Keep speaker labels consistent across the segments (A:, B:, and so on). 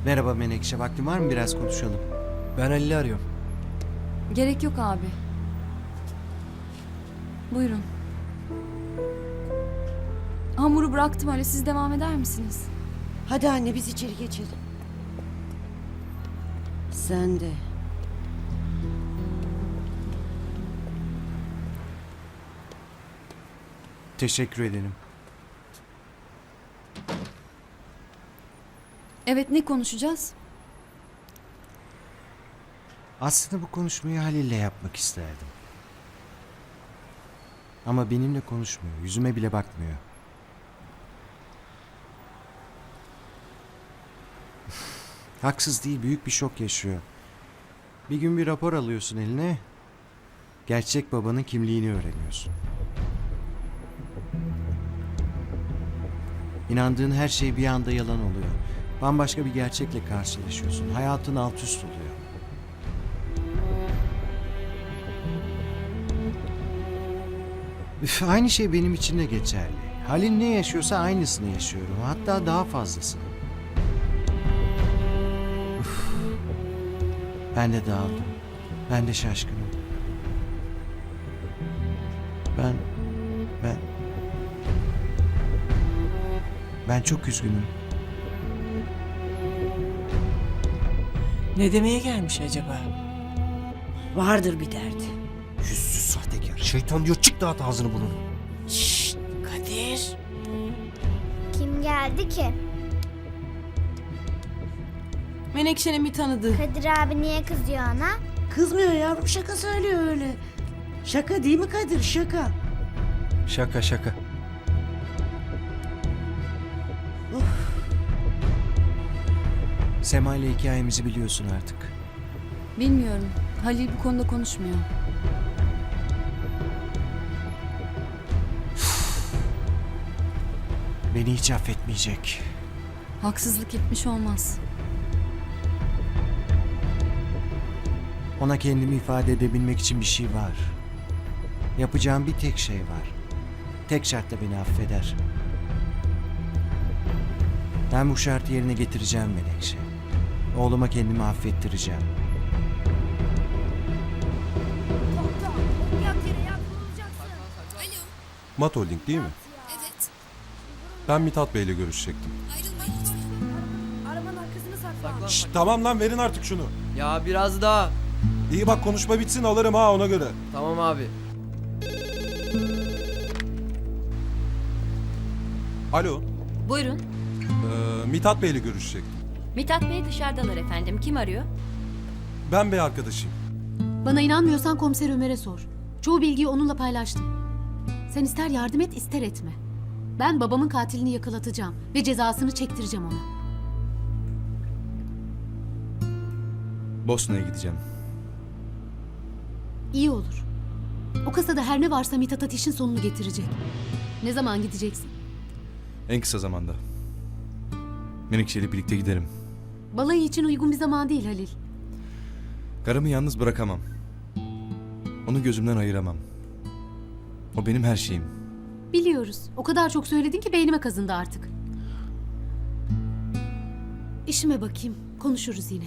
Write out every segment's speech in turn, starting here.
A: Merhaba Menekşe, vaktin var mı biraz konuşalım?
B: Ben Halil'i arıyorum.
C: Gerek yok abi. Buyurun. Hamuru bıraktım öyle, siz devam eder misiniz?
D: Hadi anne biz içeri geçelim. Sen de.
A: Teşekkür ederim.
C: Evet, ne konuşacağız?
A: Aslında bu konuşmayı Halil'le yapmak isterdim. Ama benimle konuşmuyor, yüzüme bile bakmıyor. Haksız değil, büyük bir şok yaşıyor. Bir gün bir rapor alıyorsun eline, gerçek babanın kimliğini öğreniyorsun. İnandığın her şey bir anda yalan oluyor. Bambaşka bir gerçekle karşılaşıyorsun. Hayatın alt üst oluyor. Üf, aynı şey benim için de geçerli. Halil ne yaşıyorsa aynısını yaşıyorum. Hatta daha fazlasını. Üf. Ben de dağıldım. Ben de şaşkınım. Ben... Ben çok üzgünüm.
E: Ne demeye gelmiş acaba?
D: Vardır bir derdi.
B: Yüzsüz sahtekar. Şeytan diyor, çık dağıt ağzını bunun.
E: Şşt Kadir.
F: Kim geldi ki?
C: Menekşe'nin bir tanıdığı.
F: Kadir abi niye kızıyor ona?
D: Kızmıyor yavrum, şaka söylüyor öyle. Şaka değil mi Kadir, şaka.
B: Şaka şaka.
A: Sema ile hikayemizi biliyorsun artık.
C: Bilmiyorum. Halil bu konuda konuşmuyor.
A: Beni hiç affetmeyecek.
C: Haksızlık etmiş olmaz.
A: Ona kendimi ifade edebilmek için bir şey var. Yapacağım bir tek şey var. Tek şartla beni affeder. Ben bu şartı yerine getireceğim Menekşe. Oğluma kendimi affettireceğim.
G: Mat Holding değil mi?
H: Evet.
G: Ben Mithat Bey'le görüşecektim.
H: Ayrılmayın lütfen.
F: Arabanın arkasını sakla.
G: Şşt, tamam lan, verin artık şunu.
B: Ya biraz daha.
G: İyi bak, konuşma bitsin alırım ha, ona göre.
B: Tamam abi.
G: Alo,
H: Buyurun.
G: Mithat Bey'le görüşecektim.
H: Mithat Bey dışarıdalar efendim. Kim arıyor?
G: Ben bey arkadaşıyım.
I: Bana inanmıyorsan komiser Ömer'e sor. Çoğu bilgiyi onunla paylaştım. Sen ister yardım et ister etme. Ben babamın katilini yakalatacağım ve cezasını çektireceğim ona.
J: Bosna'ya gideceğim.
I: İyi olur. O kasada her ne varsa Mithat Ateş'in sonunu getirecek. Ne zaman gideceksin?
J: En kısa zamanda. Menekşe ile birlikte giderim.
I: Balayı için uygun bir zaman değil Halil.
J: Karımı yalnız bırakamam. Onu gözümden ayıramam. O benim her şeyim.
I: Biliyoruz. O kadar çok söyledin ki beynime kazındı artık. İşime bakayım. Konuşuruz yine.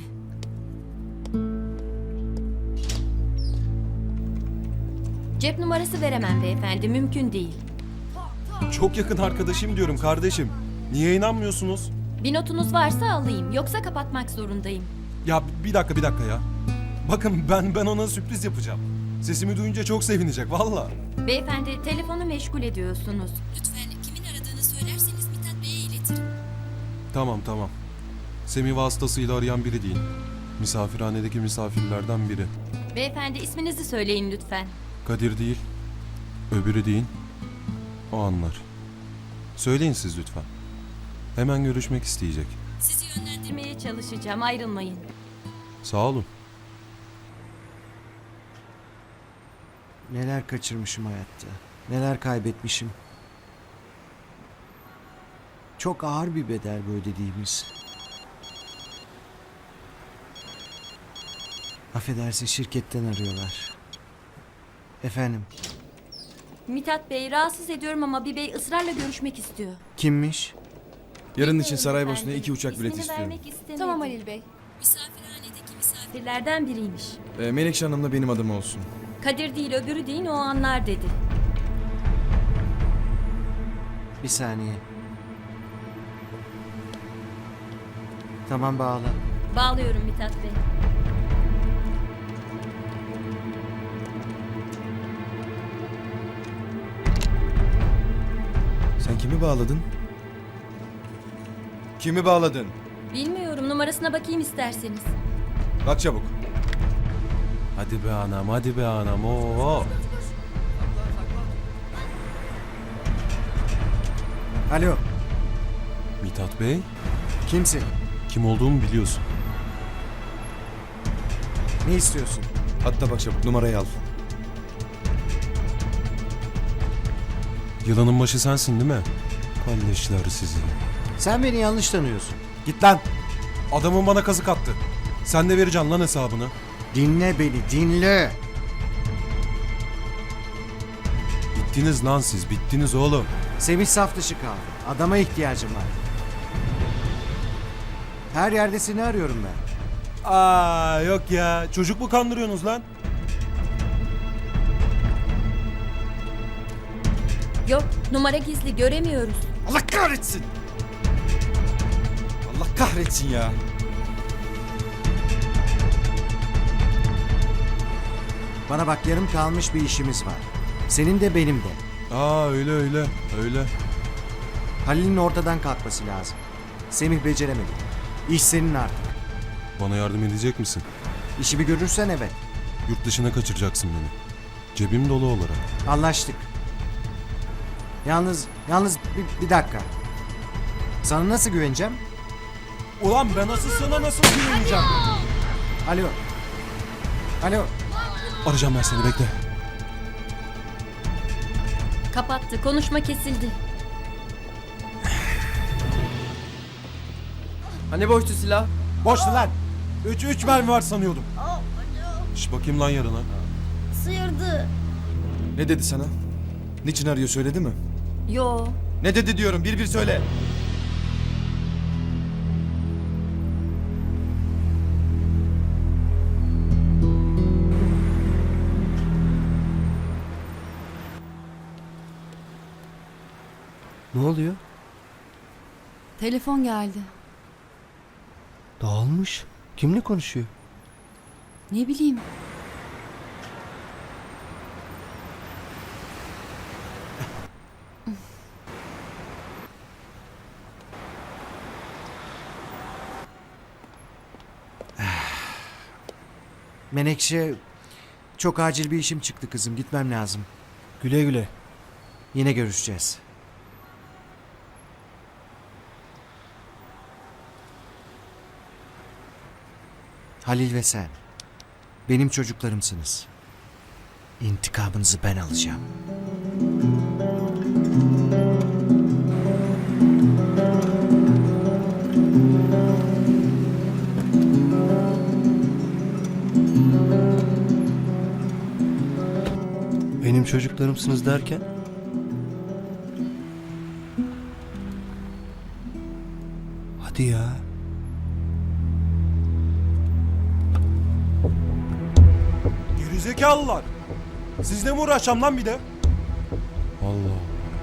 H: Cep numarası veremem beyefendi. Mümkün değil.
G: Çok yakın arkadaşım diyorum kardeşim. Niye inanmıyorsunuz?
H: Bir notunuz varsa alayım. Yoksa kapatmak zorundayım.
G: Ya bir dakika ya. Bakın ben ona sürpriz yapacağım. Sesimi duyunca çok sevinecek valla.
H: Beyefendi telefonu meşgul ediyorsunuz. Lütfen kimin aradığını söylerseniz Mithat Bey'e iletirim.
G: Tamam. Semih vasıtasıyla arayan biri değil. Misafirhanedeki misafirlerden biri.
H: Beyefendi isminizi söyleyin lütfen.
G: Kadir değil. Öbürü değil. O anlar. Söyleyin siz lütfen. Hemen görüşmek isteyecek.
H: Sizi yönlendirmeye çalışacağım. Ayrılmayın.
G: Sağ olun.
A: Neler kaçırmışım hayatta. Neler kaybetmişim. Çok ağır bir bedel bu ödediğimiz. Affedersin, şirketten arıyorlar. Efendim,
H: Mithat Bey rahatsız ediyorum ama bir bey ısrarla görüşmek istiyor.
A: kimmiş?
J: Yarın için Saraybosna'ya 2 uçak bileti istiyorum.
C: Tamam Halil Bey.
H: Misafirhanedeki misafirlerden biriymiş.
J: Menekşe Hanım da benim adım olsun.
H: Kadir değil öbürü değil o anlar dedi.
A: Bir saniye. Tamam bağla.
H: Bağlıyorum Mithat Bey.
J: Sen kimi bağladın? Kimi bağladın?
H: Bilmiyorum numarasına bakayım isterseniz.
J: Bak çabuk.
G: Hadi be anam, hadi be anam. Oo.
A: Alo,
G: Mithat Bey,
A: kimsin?
G: kim olduğumu biliyorsun.
A: Ne istiyorsun?
J: Hatta bak çabuk numarayı al.
G: Yılanın başı sensin değil mi? Kalleşler sizi.
A: Sen beni yanlış tanıyorsun. Git lan.
G: Adamın bana kazık attı. Sen de vereceksin lan hesabını.
A: Dinle beni, dinle.
G: Bittiniz lan siz, bittiniz oğlum.
A: Semih saf dışı kaldı. Adama ihtiyacım var. Her yerde seni arıyorum ben.
G: Aa yok ya, çocuk mu kandırıyorsunuz lan?
H: Yok numara gizli göremiyoruz.
J: Allah kahretsin! Allah kahretsin ya!
A: Bana bak, yarım kalmış bir işimiz var. Senin de benim de.
G: Aa öyle öyle, öyle.
A: Halil'in ortadan kalkması lazım. Semih beceremedi. İş senin artık.
G: Bana yardım edecek misin?
A: İşi bir görürsen evet.
G: Yurt dışına kaçıracaksın beni. Cebim dolu olarak.
A: Anlaştık. Yalnız bir dakika. Sana nasıl güveneceğim?
G: Ulan ben nasıl sana nasıl güveneceğim?
A: Alo. Alo.
G: Arayacağım ben seni, bekle.
H: Kapattı konuşma kesildi.
B: Hani boştu silah?
G: Boştu lan. 3 mermi var sanıyordum. Şş bakayım lan yarına.
F: Sıyırdı.
J: Ne dedi sana? Niçin arıyor söyledi mi?
H: Yo.
J: Ne dedi diyorum bir söyle.
B: Ne oluyor?
C: Telefon geldi.
B: Dağılmış. Kimle konuşuyor?
C: Ne bileyim.
A: Menekşe, çok acil bir işim çıktı kızım. Gitmem lazım.
B: Güle güle.
A: Yine görüşeceğiz. Halil ve sen benim çocuklarımsınız. İntikamınızı ben alacağım.
B: Benim çocuklarımsınız derken? Hadi ya.
G: Gerizekalılar. Sizle mi uğraşacağım lan bir de? Allah.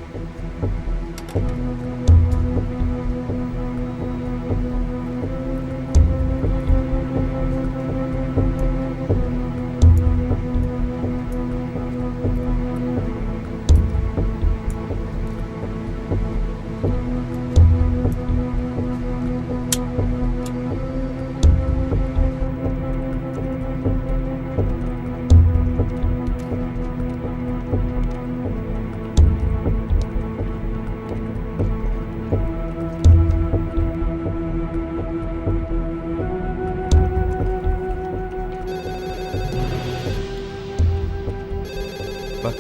J: Bak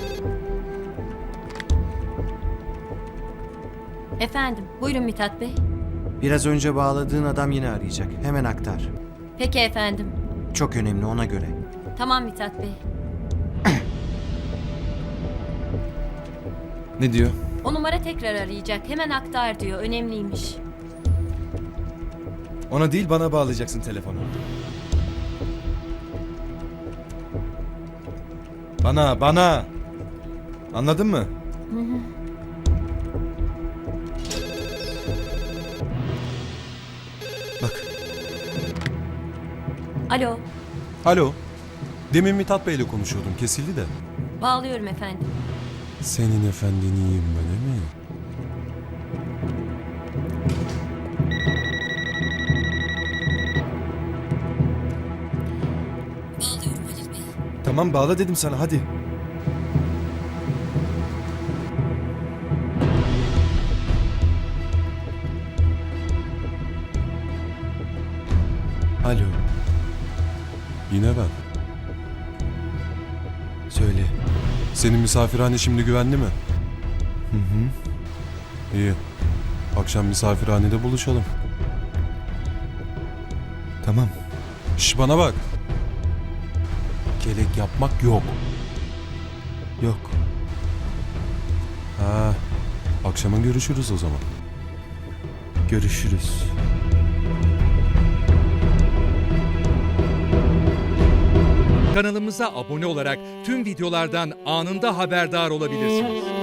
H: Efendim buyurun Mithat Bey.
A: Biraz önce bağladığın adam yine arayacak. Hemen aktar.
H: Peki efendim.
A: Çok önemli, ona göre.
H: Tamam Mithat Bey.
J: ne diyor?
H: O numara tekrar arayacak. Hemen aktar diyor. Önemliymiş.
J: Ona değil bana bağlayacaksın telefonu. Bana. Anladın mı? Bak.
H: Alo.
G: Alo. Demin Mithat Bey'le konuşuyordum. Kesildi de.
H: Bağlıyorum efendim.
G: Senin efendiniyim ben değil mi?
J: Tamam bağla dedim sana hadi.
A: Alo,
G: Yine ben.
A: söyle.
G: Senin misafirhane şimdi güvenli mi?
A: Hı hı.
G: İyi. Akşam misafirhanede buluşalım.
J: Tamam.
G: Şş, bana bak. Kelek yapmak yok.
A: Yok.
G: Ha. Akşama görüşürüz o zaman.
A: Görüşürüz.
K: Kanalımıza abone olarak tüm videolardan anında haberdar olabilirsiniz.